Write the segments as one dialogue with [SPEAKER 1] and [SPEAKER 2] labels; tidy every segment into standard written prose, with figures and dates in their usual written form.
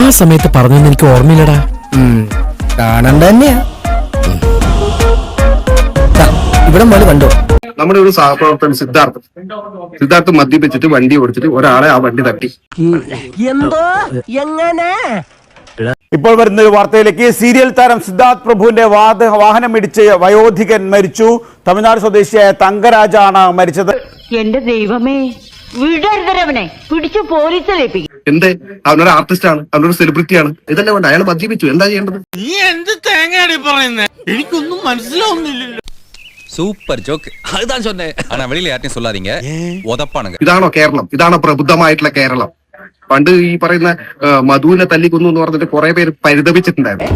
[SPEAKER 1] സമയത്ത് പറഞ്ഞൊന്നും എനിക്ക് ഓർമ്മയില്ലടാ.
[SPEAKER 2] കാണണ്ട തന്നെയാ. ഇവിടെ മോള് കണ്ടോ?
[SPEAKER 3] നമ്മുടെ ഒരു സഹപ്രവർത്തകൻ സിദ്ധാർത്ഥ് മദ്യപിച്ചിട്ട് വണ്ടി ഓടിച്ചിട്ട് ഒരാളെ ആ വണ്ടി തട്ടി.
[SPEAKER 2] എന്തോ എങ്ങനെ?
[SPEAKER 4] ഇപ്പോൾ വരുന്ന ഒരു വാർത്തയിലേക്ക്. സീരിയൽ താരം സിദ്ധാർത്ഥ് പ്രഭുവിന്റെ വാഹനം ഇടിച്ച് വയോധികൻ മരിച്ചു. തമിഴ്നാട് സ്വദേശിയായ തങ്കരാജാണ് മരിച്ചത്.
[SPEAKER 5] എന്റെ ദൈവമേ, വിടരുതരവനെ പിടിച്ചു പോലീസിലേപ്പിക്കും.
[SPEAKER 3] എന്തേ? അവനൊരു ആർട്ടിസ്റ്റ് ആണ്, അവനൊരു സെലിബ്രിറ്റിയാണ്. ഇതല്ലേ വേണ്ട, അയാൾ മദ്യപിച്ചു, എന്താ ചെയ്യേണ്ടത്?
[SPEAKER 6] നീ എന്ത് തേങ്ങയാടി പറയുന്നേ? എനിക്കൊന്നും മനസ്സിലാവുന്നില്ലല്ലോ.
[SPEAKER 7] Super joke. அதுதான் சொன்னேன். ஆனா வெளியில யார்ட்டையும் சொல்லாதீங்க. உதப்பானுங்க.
[SPEAKER 3] ഇതാണോ കേരളം? ഇതാണോ പ്രബുദ്ധമായിട്ടുള്ള കേരളം? പണ്ട് ഈ പറയുന്ന മധുവിനെ തല്ലിക്കൊന്നു എന്ന് പറഞ്ഞിട്ട് കുറെ പേര് പരിതപിച്ചിട്ടുണ്ടായിരുന്നു.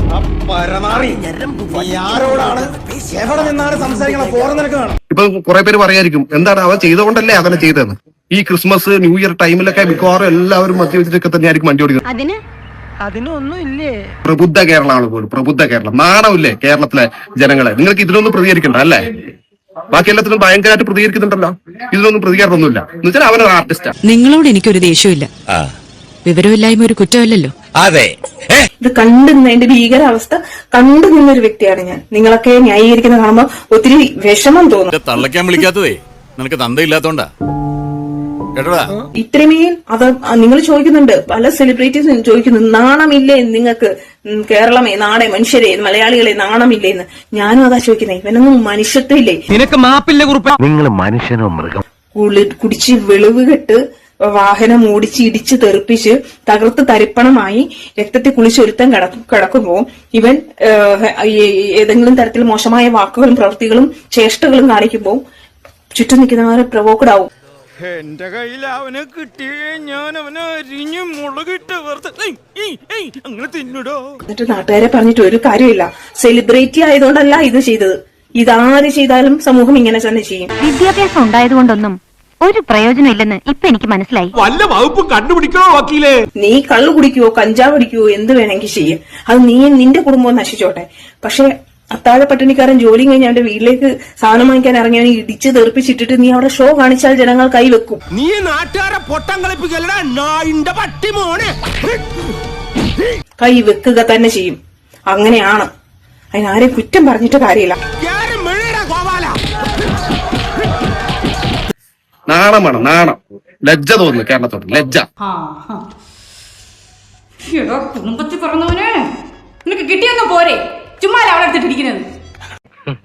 [SPEAKER 3] ഇപ്പൊ കുറെ പേര് പറയായിരിക്കും, എന്താണ് അവൻ ചെയ്തുകൊണ്ടല്ലേ അവനെ ചെയ്തതെന്ന്. ഈ ക്രിസ്മസ് ന്യൂ ഇയർ ടൈമിലൊക്കെ മിക്കവാറും എല്ലാവരും മദ്യപിച്ചിട്ടൊക്കെ തന്നെയായിരിക്കും വണ്ടി ഓടിക്കുന്നത്.
[SPEAKER 2] അതിനൊന്നും ഇല്ലേ?
[SPEAKER 3] പ്രബുദ്ധ കേരളമാണ് പോലും, പ്രബുദ്ധ കേരളം. നാണമില്ലേ കേരളത്തിലെ ജനങ്ങളെ? നിങ്ങൾക്ക് ഇതിലൊന്നും പ്രതികരിക്കണ്ട അല്ലേ? ബാക്കി എല്ലാത്തിനും ഭയങ്കരമായിട്ട് പ്രതികരിക്കുന്നുണ്ടല്ലോ, ഇതിലൊന്നും പ്രതികരണമൊന്നുമില്ല. എന്ന് വെച്ചാൽ അവനൊരു ആർട്ടിസ്റ്റാണ്.
[SPEAKER 8] നിങ്ങളോട് എനിക്കൊരു ദേഷ്യമില്ല. വിവരമില്ലായ്മ ഒരു കുറ്റമല്ലല്ലോ.
[SPEAKER 7] അതെ.
[SPEAKER 9] ഇത് കണ്ടുനിന്നതിന്റെ ഭീകരാവസ്ഥ കണ്ടു നിന്നൊരു വ്യക്തിയാണ് ഞാൻ. നിങ്ങളൊക്കെ ന്യായീകരിക്കുന്ന കാണുമ്പോ ഒത്തിരി വിഷമം തോന്നും.
[SPEAKER 6] തള്ളക്കാൻ വിളിക്കാത്തതേ നിനക്ക് തന്തയില്ലാത്തോണ്ടാ കേട്ടോടാ.
[SPEAKER 9] ഇത്രമേൽ അത് നിങ്ങൾ ചോദിക്കുന്നുണ്ട്, പല സെലിബ്രിറ്റീസും ചോദിക്കുന്നു, നാണമില്ലേ നിങ്ങൾക്ക്? കേരളമേ, നാടെ, മനുഷ്യരെ, മലയാളികളെ നാണമില്ലേ എന്ന്. ഞാനും അതാ ചോദിക്കുന്നത്. ഇവനൊന്നും മനുഷ്യത്വമില്ലേ?
[SPEAKER 1] നിനക്ക് മാപ്പില്ല കുറിപ്പ്.
[SPEAKER 2] നിങ്ങൾ മനുഷ്യനോ മൃഗം?
[SPEAKER 9] കുടിച്ച് വെളിവ് കെട്ട് വാഹനം ഓടിച്ച് ഇടിച്ച് തെറിപ്പിച്ച് തകർത്ത് തരിപ്പണമായി രക്തത്തിൽ കുളിച്ചൊരുത്തം കിടക്കുമ്പോ ഇവൻ ഏതെങ്കിലും തരത്തിൽ മോശമായ വാക്കുകളും പ്രവൃത്തികളും ചേഷ്ടകളും കാണിക്കുമ്പോൾ ചുറ്റും നിൽക്കുന്നവരെ പ്രവോക്കഡ് ആവും.
[SPEAKER 6] എന്റെ കയ്യിൽ അവനെ കിട്ടിയേ ഞാൻ അവനെ അരിഞ്ഞു മുളകിട്ട് അങ്ങനെ തിന്നിടോ.
[SPEAKER 9] എന്നിട്ട് നാട്ടുകാരെ പറഞ്ഞിട്ട് ഒരു കാര്യമില്ല. സെലിബ്രിറ്റി ആയതുകൊണ്ടല്ല ഇത് ചെയ്തത്. ഇതാര് ചെയ്താലും സമൂഹം ഇങ്ങനെ തന്നെ ചെയ്യും.
[SPEAKER 5] വിദ്യാഭ്യാസം ഉണ്ടായതുകൊണ്ടൊന്നും ഒരു പ്രയോജനം ഇല്ലെന്ന് ഇപ്പൊ എനിക്ക് മനസ്സിലായി.
[SPEAKER 1] വല്ല വകുപ്പ് കണ്ടുപിടിക്കണോ വക്കീലേ?
[SPEAKER 9] നീ കള്ളു കുടിക്കുവോ കഞ്ചാവ് അടിക്കുവോ എന്ത് വേണമെങ്കിൽ ചെയ്യും. അത് നീ നിന്റെ കുടുംബം നശിച്ചോട്ടെ. പക്ഷെ അത്താഴ പട്ടിണിക്കാരൻ ജോലി കഴിഞ്ഞ് അവന്റെ വീട്ടിലേക്ക് സാധനം വാങ്ങിക്കാൻ ഇറങ്ങിയവനെ ഇടിച്ച് തെറിപ്പിച്ചിട്ടിട്ട് നീ അവിടെ ഷോ കാണിച്ചാൽ ജനങ്ങൾ കൈവെക്കും.
[SPEAKER 1] നീ നാട്ടുകാരെ പൊട്ടം കളിപ്പിക്കലടാ നായിന്റെ പട്ടി മോനെ.
[SPEAKER 9] കൈ വെക്കുക തന്നെ ചെയ്യും. അങ്ങനെയാണ്. അതിനാരെയും കുറ്റം പറഞ്ഞിട്ട് കാര്യമില്ല.
[SPEAKER 3] നാണമാണ്, നാണം, ലജ്ജ തോന്നുന്നു കേരളത്തോട്, ലജ്ജ.
[SPEAKER 5] കുടുംബത്തിൽ പറഞ്ഞവനെ നിനക്ക് കിട്ടിയൊന്നും പോരെ, ചുമ്മാ അവളെ എടുത്തിട്ടിരിക്കുന്നത്.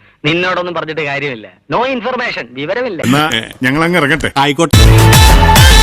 [SPEAKER 2] നിന്നോടൊന്നും പറഞ്ഞിട്ട് കാര്യമില്ല. നോ ഇൻഫർമേഷൻ, വിവരമില്ല.
[SPEAKER 6] ഞങ്ങൾ അങ്ങ് ഇറങ്ങട്ടെ. ആയിക്കോട്ടെ.